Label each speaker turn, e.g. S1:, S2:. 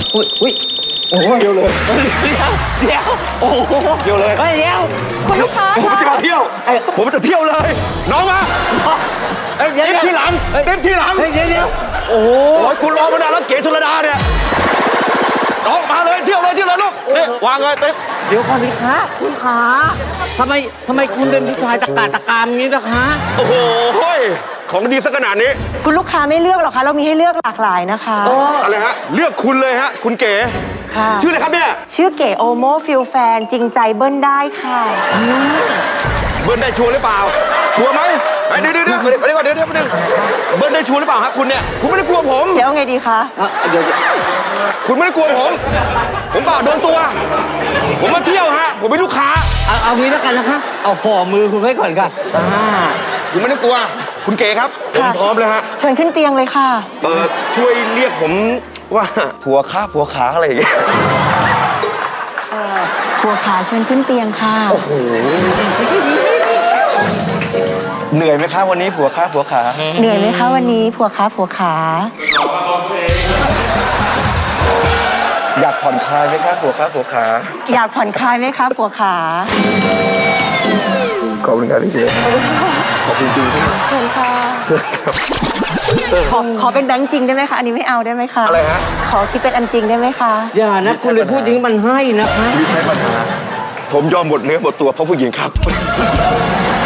S1: อุ้ยโอ้เดียวเลยเดี๋ยวโอ้โหเดียวเลยเดี๋ยว
S2: คุณลูกค้า
S3: ผมจะมาเที่ยวผมจะเที่ยวเลย น้องมาเต็มที่หลังเต็มที่หลัง
S1: เดี๋ยวโอ้
S3: ยคุณรอมานานแล้วเก๋ชลดาเนี่ยน้องมาเลยเที่ยวเลยลูกนี่วางเลยเต็ม
S1: เดี๋ยวก่อนสิคะคุณขาทำไมคุณเป็นผู้ชายตะกามอย่างนี้ล่ะคะ
S3: โอ้โหของดีสักขนาดนี้
S2: คุณลูกค้าไม่เลือกหรอกคะเรามีให้เลือกหลากหลายนะคะ
S3: อะไรฮะเลือกคุณเลยฮะคุณเก๋
S2: ค่ะ
S3: ชื่ออะไรครับเนี่ย
S2: ชื่อเก๋โอโมฟิลแฟนจริงใจเบิ้ลได้ค่ะ
S3: เบิ้ลได้ชัวร์หรือเปล่าชัวร์ไหมเดี๋ยวก่อนเบิ้ลได้ชัวร์หรือเปล่าครับคุณเนี่ยคุณไม่ได้กลัวผม
S2: เดี๋ยวไงดีคะ
S1: เดี๋ยว
S3: คุณไม่ได้กลัวผมเปล่าโดนตัวผมมาเที่ยวฮะผมเป็นลูกค้า
S1: เอางี้แล้วกันนะคะเอาห่อมือคุณไว้ก่อนค่ะ
S3: คุณไม่ได้กลัวคุณเก๋ครับผมพร้อมแล้วฮะ
S2: เชิญขึ้นเตียงเลยค่ะ
S3: ช่วยเรียกผมว่าผัวขาอะไรอย่างเงี้ย
S2: ผัวขาเชิญขึ้นเตียงค่ะ
S3: โอ้โหเหนื่อยไหมคะวันนี้ผัวขา
S2: เหนื่อยไหมคะวันนี้ผัวขา
S3: อยากผ่อนคลายไหมคะผัวขา
S2: อยากผ่อนคลายไหมคะผัวขา
S3: ขอบคุณครับพี่เก๋ขอบคุณจริงๆ
S2: เชิญค่ะขอเป็นแบงค์จริงได้ไหมคะอันนี้ไม่เอาได้ไหมคะ
S3: อะไรฮะ
S2: ขอที่เป็นอันจริงได้ไหมคะ
S1: อย่านะคุณเลยพูดอย่างนี้มันให้นะคะ
S3: ไม่ใช่ปัญหาผมยอมหมดเนื้อหมดตัวเพราะผู้หญิงครับ